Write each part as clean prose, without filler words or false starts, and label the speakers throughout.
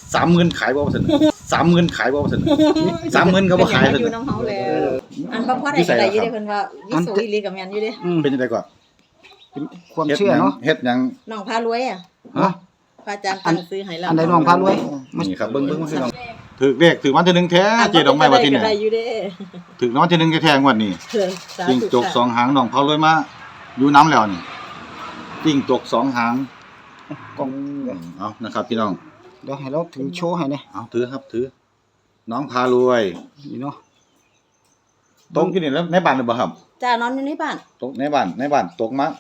Speaker 1: 30,000ขายบ่ซั่น30,000ขายบ่ซั่น30,000ก็บ่ขายซั่น
Speaker 2: อยู่น้ำเฮาแล้วอันบ่พอได้ได้อยู่เด้เพิ่นว่าวิสุอีหลีกับแม่นอยู่เด้
Speaker 1: เป็นจังได๋ก่อน
Speaker 3: ความเชื่อเนาะ
Speaker 1: เฮ็ดหยัง
Speaker 2: น้องพารวยอ่ะ
Speaker 3: ฮะ
Speaker 2: พระอาจารย์ตั้งซื้อให้แล้ว
Speaker 3: อันใดน้องพารวย
Speaker 1: นี่ครับเบิ่งๆพี่น้องถูกเลขถูกวันที่1แท้เจดอกไม้ว่าที่นี่
Speaker 2: ได้อยู่เด้
Speaker 1: ถูกรางวัลที่1แท้ๆงวดนี้จิ้งจก2หางน้องพารวยมาอยู่น้ำแล้วนี่จิ้งจก2หาง
Speaker 3: กล่อง
Speaker 1: เอานะครับพี่น้อง
Speaker 3: เดี๋ยวให้เราถือโชว์ให้เนี่ย
Speaker 1: เอาถือครับถือน้องพารวย
Speaker 3: นี่เนาะ
Speaker 1: ตกอยู่นี่แล้วในบ้านหรือเปล่าครับ
Speaker 2: จ้านอนอยู่ในบ้าน
Speaker 1: ตกในบ้านตกมา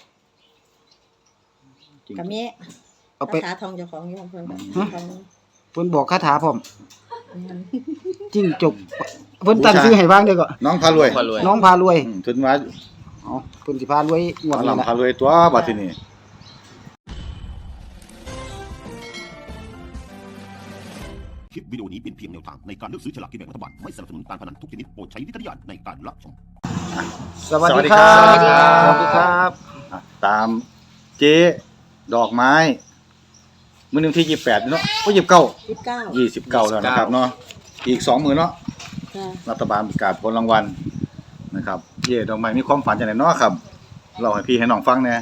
Speaker 2: ก็มี
Speaker 3: เอาไป
Speaker 2: คาถาทองเจ้าของอยู่ของเพิ่น
Speaker 3: เพิ่นบอกคาถาพร้อมจิ้งจกเพิ่นตั้งชื่อให้บ้างเด้อก็
Speaker 1: น้องพารวย
Speaker 3: น้องพารวย
Speaker 1: ถึงว่า
Speaker 3: อ๋อเพิ่นสิพารวยงวดนี้ล่ะ
Speaker 1: พารวยตัวบัดทีนี้
Speaker 4: คลิปวิดีโอนี้เป็นเพียงแนวทางในการเลือกซื้อฉลากกินแบ่งรัฐบาลไม่สนับสนุนการพนันทุกชนิดโปรดใช้วิจารณญาณในการรับชม
Speaker 3: สวัสดีครับสวัสดีครับ
Speaker 1: ตามเจ๊ดอกไม้มื้อนึงที่28เนาะโอ้29แล้วนะครับเนาะอีก2มื้อเนาะรัฐบาลประกาศผลรางวัลนะครับเจ๊ดอกไม้มีความฝันจังได๋เนาะครับเล่าให้พี่ให้น้องฟังแหน่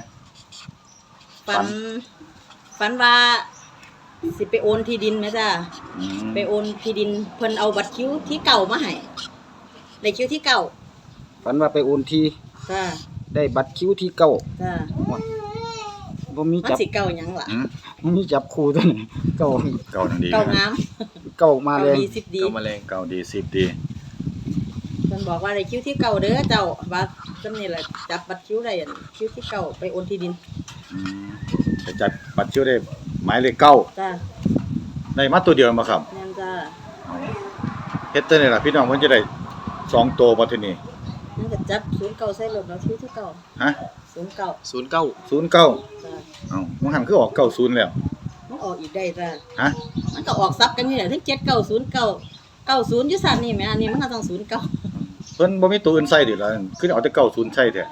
Speaker 2: ฝันว่าสิไปโอนที่ดินแม่จ้าไปโอนที่ดินเพิ่นเอาบัตรคิวที่เก่ามาให้ได้คิวที่เก่า
Speaker 3: ฝันว่าไปโอนที่
Speaker 2: จ้า
Speaker 3: ได้บัตรคิวที่เก่า
Speaker 2: จ้า
Speaker 3: บ่มีจับ
Speaker 2: มันสิเก่าหยังล่ะ
Speaker 3: บ่มีจับคู่ตัวนี้เก่า
Speaker 1: นั่นดี
Speaker 2: เก่างาม
Speaker 3: เก่ามาแรง
Speaker 2: เก่ามาแรง
Speaker 1: เก่าดี10ดี
Speaker 2: เพิ่นบอกว่าได้คิวที่เก่าเด้อเจ้าว่าจำนี่แหละจับบัตรคิวได้คิวที่เก่าไปโอนที่ดิน
Speaker 1: ไปจัดบัตรคิวได้หมายเลข9
Speaker 2: จ้า
Speaker 1: ได้มาตัวเดียวมาครับ
Speaker 2: แม่นจ้า
Speaker 1: เฮ็ดจังได๋ล่ะพี่น้องเพิ่นจะได้2ตัวบ่ทีนี้
Speaker 2: นั่นก็จับ09ใส่รถแล้วคิวที่เก่า
Speaker 1: ฮะ
Speaker 2: 09
Speaker 1: จ้าเอ้ามันหันคือออก90แล้ว
Speaker 2: มันออกอีกได้จ้า
Speaker 1: ฮะ
Speaker 2: มันก็ออกซับกันนี่แหละทั้ง7909 90อยู่ซั่นนี่แม่อันนี้มันก็ต้อง09
Speaker 1: เพิ่นบ่มีตัวอื่นใส่ดิล่ะคือเอาแต่90ใส่แท้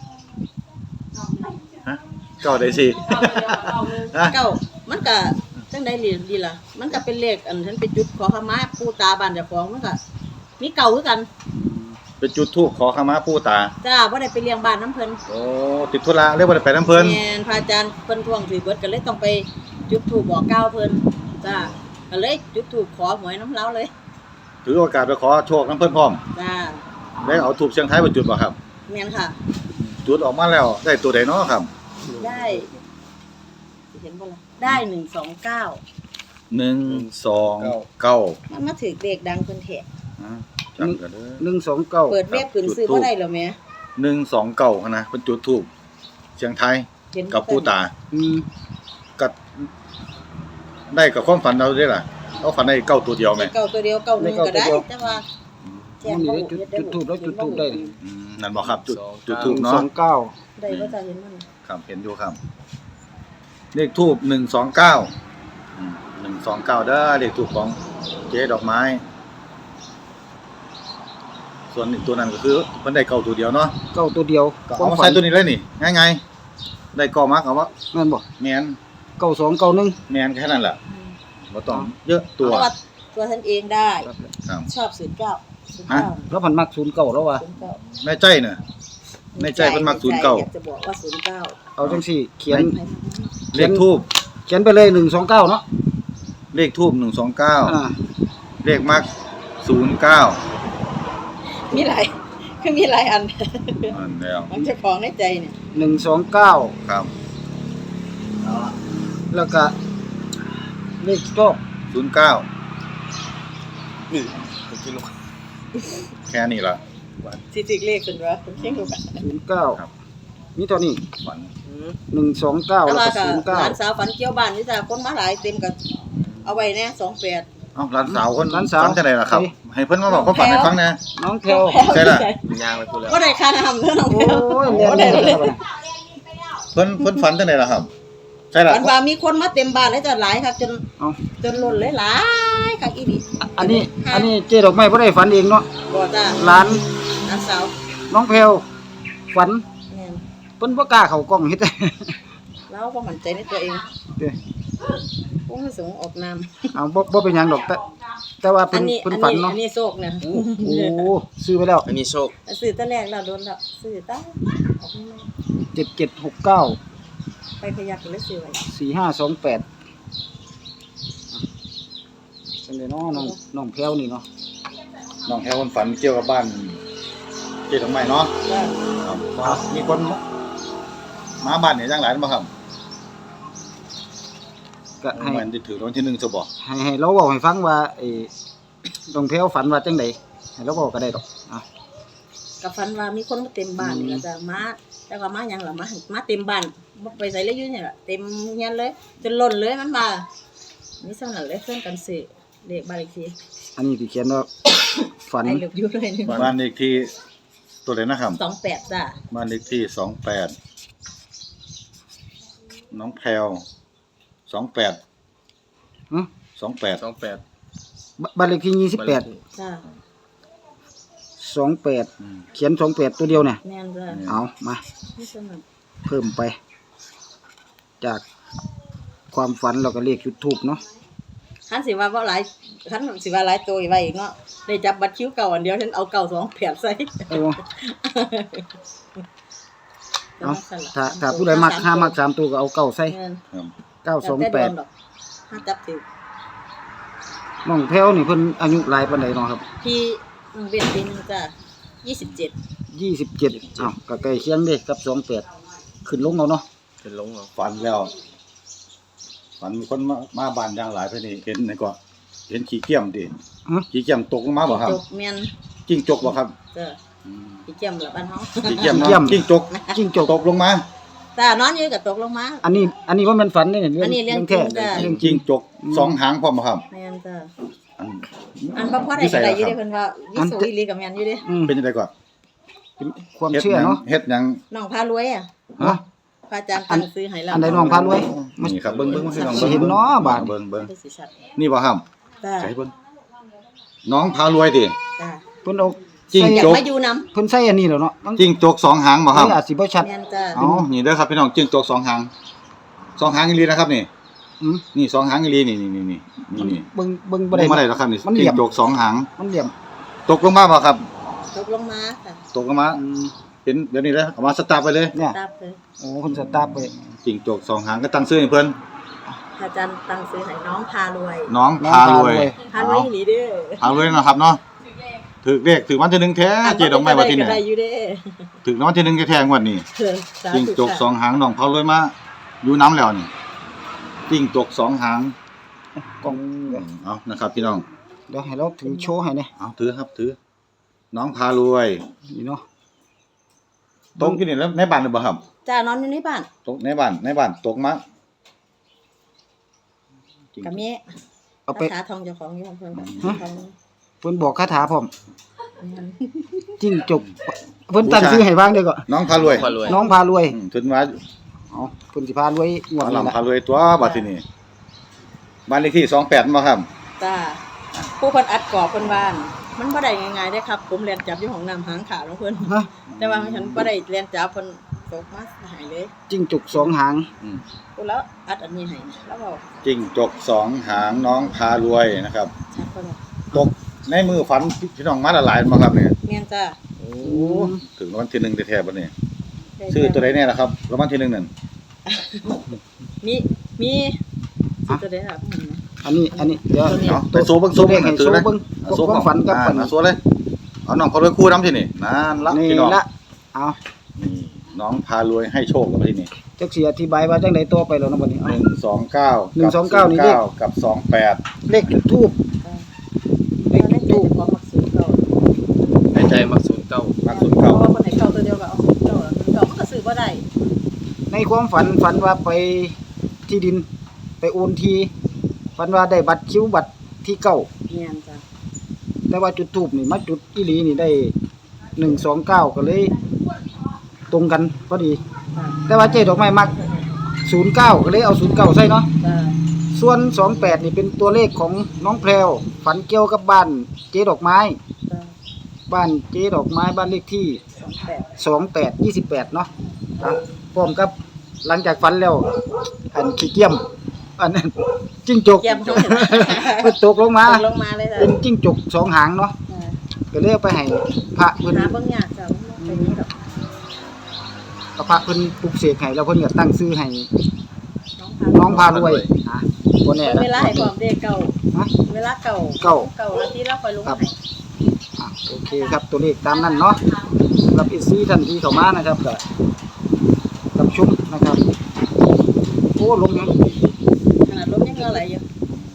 Speaker 1: ฮะ9ได้สิ
Speaker 2: เก้ามันก็จังได๋ดีล่ะมันก็เป็นเลขอันฉันไปจุดขอขมาปู่ตาบ้านเจ้าของมันก็มีเก่าคือกัน
Speaker 1: ไปจุดธูปขอขมาปู่ตา
Speaker 2: จ้าบ่ได้ไปเลี้ยงบ้านน้ำเพิ่น
Speaker 1: โอ้ติดธุระเลยบ่ได้ไปน้ำเพิ่น
Speaker 2: แม่นพระอาจารย์เพิ่นทวงถือเบิดก็เลยต้องไปจุดธูปบอกกล่าวเพิ่นจ้าก็เลยจุดธูปขอหวยน้ำเลาเลย
Speaker 1: ถือโอกาสไปขอโชคน้ำเพิ่นพร้อม
Speaker 2: จ้า
Speaker 1: แล้วเอาธูปเสียงไทยไปจุดบ่ครับ
Speaker 2: แม่นค่ะ
Speaker 1: จุดออกมาแล้วได้ตัวใดเนาะครับ
Speaker 2: ได้เห็นบ่ล่ะได้129มันมาถึกเลขดังเพิ่นแท้
Speaker 1: จังกันเด้
Speaker 3: อ129
Speaker 2: เปิดเว็บขึ้นซื้อบ่ได้แล้วแม่
Speaker 1: 129หั่นนะเพิ่นจุดธูปเสียงไทยกับปู่ตาก็ได้กับความฝันเราได้ล่ะเอาฝันได้เก้าตัวเดียวแม่
Speaker 2: เก้าตัวเดียว1ก็ได้แต่ว่า
Speaker 3: แจ้งบ่จุดธูปแล้วจุดธูปได้
Speaker 1: นั่นบ่ครับจุดธูปเนาะ
Speaker 3: 29
Speaker 2: ได้บ่จะเห็นมัน
Speaker 1: ครับเห็นอยู่ครับเลขธูป129 129เด้อเลขธูปของเจ๊ดอกไม้ส่วนอีกตัวนั้นก็คือเพิ่นได้เก้าตัวเดียวเนาะ
Speaker 3: เก้าตัวเดียว
Speaker 1: ก็เอามาใส่ตัวนี้เลยนี่ง่ายๆได้ก่อมักเอาว่า
Speaker 3: แม่นบ่
Speaker 1: แม่น
Speaker 3: 9291
Speaker 1: แม่นแค่นั้นแหละบ่ต้องเยอะตัว
Speaker 2: ตัวท่านเองได้ชอบ09
Speaker 1: ฮะ
Speaker 3: แล้วมันมัก09แล้วว่ะ
Speaker 1: ในใจน่ะในใจเพิ่นมัก09
Speaker 2: จะบอกว่า09
Speaker 3: เอาจังซี่เขียน
Speaker 1: เลขทูป
Speaker 3: เขียนไปเลย129เนาะ
Speaker 1: เลขทูป129เลขมัก09
Speaker 2: มีหลายคือมีหลายอัน
Speaker 1: แล้ว
Speaker 2: มันจะของในใจเนี่ย
Speaker 3: 129
Speaker 1: ครับ
Speaker 3: แล้วก็เลขโชค
Speaker 1: 09นี่กินลงแค่นี้ล่ะ
Speaker 2: สิถึกเลขเพิ่นว่าเพิ่นเขียนอยู่
Speaker 3: 09ครับมีเท่านี้
Speaker 1: ฝัน
Speaker 3: 129แล้วก็09
Speaker 2: ร้านสาวฝันเกี่ยวบ้านนี่จ้ะคนมาหลายเต็มก็เอาไว้แน่28
Speaker 1: อ้าวร้านสาวคนฝันจังได๋ล่ะครับให้เพิ่นมาบอกความฝันให้ฟังแน่
Speaker 3: น้องแพว
Speaker 1: ใช่ล่ะ
Speaker 3: ย่างไปพูดแล้ว
Speaker 2: บ่ได้ค่าน้ำเด้อน้องแพว
Speaker 3: โอ้ยเรียนเลย
Speaker 1: เพิ่นฝันจังได๋ล่ะครับใช่ล่ะ
Speaker 2: ฝันว่ามีคนมาเต็มบ้านเลยจ้ะหลายครับจนล้นเลยหลายคักอีหลี
Speaker 3: อันนี้เจ๊ดอกไม้บ่ได้ฝันเองเนาะ
Speaker 2: บ่จ้ะ
Speaker 3: ร้าน
Speaker 2: สาว
Speaker 3: น้องแพวฝันเพิ่นบ่กล้าเข้ากล้องเฮ็ด
Speaker 2: เราบ่มั่นใจในตัวเองผู้ประสงค์ออกนาม
Speaker 3: เอาบ่เป็นหยังดอกแต่ว่า
Speaker 2: อั
Speaker 3: เพิ่
Speaker 2: น
Speaker 3: น
Speaker 2: นี้
Speaker 3: เพิ่นฝันเนาะ
Speaker 2: อันนี้โชคเนี่ย
Speaker 3: โอ้ซื้อไปแล้ว
Speaker 5: อันนี้โชค
Speaker 2: ซื้อตั้งแรกแล้วโดนแล้วซื้อตั้งออกไม่
Speaker 3: 7769
Speaker 2: ไปพยักเลยซื้อไว้
Speaker 3: 4528เป็นไดเนาะน้องแพรวนี่เนาะ
Speaker 1: น้องแถวคนฝันเกี่ยวกับบ้านเจ๊ดอกไม้เนาะ
Speaker 2: ว่า
Speaker 1: ครับว่ามีคนมาบ้านเนี่ยจังหลายบ่ครับ
Speaker 3: ก็ให้
Speaker 1: มันจะถือรางวัลที่1ซะบ่
Speaker 3: ให้เราเว้าให้ฟังว่าไอ้น้องแพรวฝันว่าจังไดให้เราเว้าก็ได้ดอกอ่ะ
Speaker 2: กับฟันว่ามีคนมาเต็มบ้านนี่ล่ะจ้ะมาแต่ว่ามาหยังล่ะมาเต็มบ้านบ่ไปใส่เลยอยู่นี่ล่ะเต็มเฮียนเลยจนล้นเลยมันมานี่ซั่นน่ะเลยเพิ่นกันซื้อเลขบ้านเลขที่
Speaker 3: อันนี้ที่เขียนว่า ฝัน
Speaker 2: ไอ้เหลือบอยู่เลยนี่
Speaker 1: บ้านเลขที่ตัวไหนนะครับ
Speaker 2: 28จ้ะ
Speaker 1: บ้านเลขที่28น้องแพรว28
Speaker 3: ฮะ
Speaker 1: 28
Speaker 5: 28
Speaker 3: บ้านเลขที่28
Speaker 2: จ้ะ
Speaker 3: 28เขียน28ตัวเดียวเนี่ย
Speaker 2: แม่นจ้ะ
Speaker 3: เอามา
Speaker 2: นี่ซั่นน่ะ
Speaker 3: เพิ่มไป จากความฝันเราก็เลขจุดทูบเนาะ
Speaker 2: คันสิว่าบ่หลายคันสิว่าหลายตัวอีกไว้อีกเนาะได้จับบัตรคิวเก่าอันเดียวฉันเอาเก่า2ใส่
Speaker 3: โอ้เอาถ้าผู้ใดมัก5มัก3ตัวก็เอาเก้าใส่
Speaker 2: เงิน
Speaker 1: ครับ
Speaker 3: 928
Speaker 2: ถ้าจับถือ
Speaker 3: น้องแพรวนี่เพิ่นอายุหลายปานใดเนาะครับ
Speaker 2: พี่เวียนปีนึงจ้ะ27
Speaker 3: 27อ้าวก็ใกล้เคียงเด้กับ28ขึ้นลงเอาเนาะ
Speaker 5: เป็นลงเหรอ
Speaker 1: ฝันแล้วฝันมีคนมาบ้านอย่างหลายเพิ่นนี่เห็นไหนก็เห็นขี้เกียมดิ
Speaker 3: ฮะ
Speaker 1: ขี้เกียมตกลงมาบ่ครับ
Speaker 2: จบแม่น
Speaker 1: จิ้งจกบ่ครับ
Speaker 2: จ้ะพี่เจียมละบ้านเฮา
Speaker 1: ขี้เกียม
Speaker 3: ขี้เกียม
Speaker 1: เนาะจิ้งจก
Speaker 3: จิ้งจก
Speaker 1: ตกลงมา
Speaker 2: จ้านอนอยู่ก็ตกลงมา
Speaker 3: อันนี้ว่ามันฝันนี่เนี่ย
Speaker 2: อันนี้เรื่อง
Speaker 3: แท้
Speaker 2: จริงจ้ะ
Speaker 3: เรื่องจริ
Speaker 1: จิ้
Speaker 3: ง
Speaker 1: งจกสองหางพร้อมบ่ครับ
Speaker 2: แม่นจ้ะ
Speaker 1: อัน
Speaker 2: อันบ่พอได้
Speaker 1: นิสัย
Speaker 2: ได้
Speaker 1: เหรอ
Speaker 2: อยู่
Speaker 1: ครับ
Speaker 2: เด้เพิ่นว่าวิสุอีหลีกับแม่นอยู่เด้
Speaker 3: อืม
Speaker 1: เป็นจังได๋ก่อน
Speaker 3: เป็นความเชื่อเนาะ
Speaker 1: เฮ็ดหยัง
Speaker 2: น้องพารวยอ่ะ
Speaker 3: ฮะ
Speaker 2: พระอาจารย์ตั้งซื้อให้แล้ว
Speaker 3: อันใดน้องพารวย
Speaker 1: นี่ครับเบิ่งพี่น้อง
Speaker 3: สิเห็นเนาะบาด
Speaker 1: เบิ่ง
Speaker 2: ได้สิชัด
Speaker 1: นี่บ่ครับ
Speaker 2: จ้ะ
Speaker 1: ใช่เบิ่งน้องพารวยติ
Speaker 2: จ้ะ
Speaker 3: เพิ่นเอา
Speaker 1: จิ้ง
Speaker 2: อยา
Speaker 1: จ
Speaker 2: ก
Speaker 1: ก
Speaker 2: มาอยู่นำ
Speaker 3: เพิ่นใส่อันนี้แล้วเนาะมัน
Speaker 1: จิ้งจกสองหางบ่ครับ
Speaker 3: นี่อาจสิบ่ชัด
Speaker 2: แม่นจ้ะ
Speaker 1: อ๋อนี่เด้อครับพี่น้องจิ้งจกสองหางสองหางอีหลีนะครับนี่
Speaker 3: อืม
Speaker 1: นี่สองหางอีหลีนี่นี่
Speaker 3: เบิ่งบ่
Speaker 1: บ่
Speaker 3: ได้
Speaker 1: ได้มาได้แล้วครับนี่
Speaker 3: มันเหลี่
Speaker 1: จิ้
Speaker 3: ย
Speaker 1: ง
Speaker 3: ม
Speaker 1: จกสองหาง
Speaker 3: มันเหลี่ยม
Speaker 1: ตกลงมาบ่ครับ
Speaker 2: ตกลงมาค่ะ
Speaker 1: ตกลงมาเป็นเดี๋ยวนี้แล้วเอามาสตาร์ทไปเลย
Speaker 3: เนี่ย
Speaker 2: ตามเลย
Speaker 3: โอ้เพิ่นสตาร์ทไป
Speaker 1: จิ้งจกสองหางก็ตั้งชื่อให้เพิ่น
Speaker 2: พระอาจารย์ตั้งซื้อให้น้องพารวย
Speaker 1: น้องพารวย
Speaker 2: พารวยอีหลีเด้อ
Speaker 1: พารวยนะครับเนาะถือเลขถือวันที่หนึ่งแท้เจดอกไม้ว่าที่
Speaker 2: ก็
Speaker 1: เนี่ย
Speaker 2: ได้อยู่เด้อ
Speaker 1: ถือรางวัลที่หนึ่งแท้ๆงวดนี้
Speaker 2: เออสาธุ
Speaker 1: จิ้งจกสองหางน้องพารวยมาอยู่น้ำแล้วนี่จิ้งจกสองหาง
Speaker 3: กล่อง
Speaker 1: เอานะครับพี่น้อง
Speaker 3: เดี๋ยวให้เราถือโชว์ให้เนี่ย
Speaker 1: เอาถือครับถือ น้องพารวย
Speaker 3: นี่เนาะ
Speaker 1: ตกอยู่นี่แล้วในบ้านหรือเปล่าครับ
Speaker 2: จ้านอนอยู่ในบ้าน
Speaker 1: ตกในบ้านตกมาจิ้งจ
Speaker 2: กับ
Speaker 1: ก
Speaker 2: แม่
Speaker 3: เอาไป
Speaker 2: คาถาทองเจ้าของอยู่ของเพิ่นก็
Speaker 3: ฮะ
Speaker 2: ของ
Speaker 3: เพิ่นบอกคาถาพร้อม
Speaker 2: แม่น
Speaker 3: จิ้งจกเพิ่นตั้งชื่อให้บ้างเด้อก็
Speaker 1: น้องพารวย
Speaker 5: พารวย
Speaker 3: น้องพารวย
Speaker 1: ถึงว่า
Speaker 3: เอาเพิ่นสิพารวยงวด
Speaker 1: เอา
Speaker 3: นี้
Speaker 1: ลำ
Speaker 3: ล่ะ
Speaker 1: พารวยตัวบัดทีนี้บ้านเลขที่28บ่ครับ
Speaker 2: จ้าผู้เพิ่นอัดกรอบเพิ่นว่ามันบ่ได้ง่ายๆเด้ครับ ผมเรียนจับอยู่ห้องน้ำหางขาของเพิ่น
Speaker 3: ฮะ
Speaker 2: แต่ว่าฉันบ่ได้เรียนจับเพิ่นตกมาหายเลย
Speaker 3: จิ้งจกสองหาง
Speaker 2: กูแล้วอัดอันนี้ให้แล้วบอก
Speaker 1: จิ้งจกสองหางน้องพารวยนะครับ
Speaker 2: ชัดเพิ่นว่า
Speaker 1: ตกในมือฝันพี่น้องมาละหลายบ่ครับเนี่ย
Speaker 2: แม่นจ้า
Speaker 1: โอ้ถึงรางวัลที่หนึ่งแท้ๆบัดนี้ชื่อตัวใดแน่ล่ะครับรางวัลที่หนึ่งนั่น
Speaker 2: มีสิตัวใดครับ
Speaker 3: อันนี้เดี๋ยว
Speaker 1: เนาะไปโซเบิ่ง
Speaker 3: เลขให้โซเบิ่งความฝันกับฝัน
Speaker 1: โซเลยเอาน้องพารวยคู่นำที่นี่นั่นละ
Speaker 3: นี่
Speaker 1: พี่น้อง
Speaker 3: ละเอา
Speaker 1: นี่น้องพารวยให้โชคกับที่นี่
Speaker 3: จักสิอธิบายว่าจังได๋ต่อไปแล้วเนาะบัดนี้เอา
Speaker 1: 129
Speaker 3: 129นี่เลข
Speaker 1: กับ28
Speaker 3: เลขจุดทูบ
Speaker 2: เลขตู้ของมักสูงเก่า
Speaker 5: ในใจมักศูนย์เก้า
Speaker 1: มัก
Speaker 2: เพราะ
Speaker 1: 09
Speaker 2: ว่าคนไหนเก่าตัวเดียวก็เอาสูงเก่าแล้วเก่ามันก็ซื้อบ่ได้
Speaker 3: ในความฝันว่าไปที่ดิน ไปโอนทีฝันว่าได้บัตรคิวบัตรที่เก้า
Speaker 2: แม่นจ้า
Speaker 3: แต่ว่าจุดทูบนี่มาจุดอีหลีนี่ได้129ก็เลย ตรงกันพอดี แต่ว่าเจ๊ดอกไม้มัก09ก็เลยเอา09ใส่เนาะ
Speaker 2: จ้า
Speaker 3: ส่วน28นี่เป็นตัวเลขของน้องแพรวฝันเกี่ยวกับบ้านเจ๊ดอกไม้
Speaker 2: จ้า
Speaker 3: บ้านเจ๊ดอกไม้บ้านเลขที่
Speaker 2: 28
Speaker 3: 28เนาะอ่ะพร้อมกับหลังจากฝันแล้วอันขี้เกียมอันนั้นจิ้งจก
Speaker 2: เก็บเขาเห็น
Speaker 3: มันตกลงมา
Speaker 2: ตกลงมาเลยจ้ะ
Speaker 3: เป็นจิ้งจก2หางเนาะก็เลยเอาไปให้พระเพิ่น
Speaker 2: หาเบิ่งยากจ้ะเป็นนี้ดอก
Speaker 3: ก็พระเพิ่นปลุกเสกให้แล้วเพิ่นก็ตั้งชื่อให้
Speaker 2: น้องพา
Speaker 3: น้องพารวยบ่แน่นะ
Speaker 2: เวลาให้ความเด็กเก่า
Speaker 3: ฮะ
Speaker 2: เวลาเก่า
Speaker 3: เก่า
Speaker 2: เก่าแล้วที่เราคอยลง
Speaker 3: ครับ
Speaker 2: ให้
Speaker 3: โอเคครับตัวเลขตามนั้นเนาะสำหรับอีซี่ท่านที่เข้ามานะครับก็รับชมนะครับโอ้ลมยัง
Speaker 2: ขนาดลมยังเงาไหลอยู่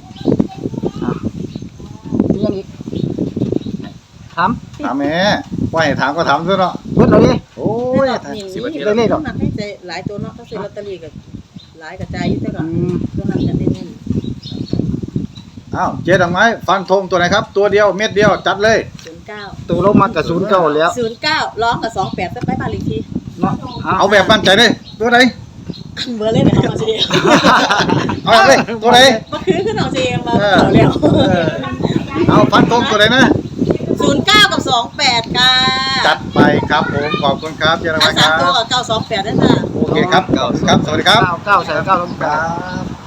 Speaker 3: มียังอีกถาม
Speaker 1: ถามแม่ว่าให้ถามก็ถามซะเนาะ
Speaker 3: เพิ่นเอาดิ
Speaker 1: โอ้ย
Speaker 2: นี่
Speaker 3: ได้เลขเหรอ
Speaker 2: นักให้ใจหลายตัวเนาะเขาซื้อลอตเตอรี่กับหลายกระจายอยู่แต่ก็
Speaker 3: อืม
Speaker 2: ตัวนั้นจะเน้น
Speaker 1: อ้าวเจ๊ดอกไม้ฟันธงตัวไหนครับ ตัวเดียวเม็ดเดียวจัดเลย
Speaker 2: 09
Speaker 3: ตัวลมมากับ09แล้ว
Speaker 2: 09ร้องกับ28ซะไปบ้านเลขที่
Speaker 3: เนาะ
Speaker 1: เอาแบบมั่นใจเลยตัวไหน
Speaker 2: เบอร์เลยเอาสิ
Speaker 1: เอาเลยตัวไหน
Speaker 2: บ่คือขึ้นเอาสิมาเอาแล้ว
Speaker 1: เอาฟันธงตัวไหนนะ
Speaker 2: 09กับ28ค่ะ
Speaker 1: จัดไปครับผมขอบคุณครับเจ๊ดอก
Speaker 2: ทั้
Speaker 1: ไม้
Speaker 2: ง
Speaker 1: ค
Speaker 2: 3
Speaker 1: รับ
Speaker 2: ตัวกับ928นั่นน่ะ
Speaker 1: โอเคครับครับสวัสดีครับ
Speaker 3: 9ใส่9ลง
Speaker 1: ครับ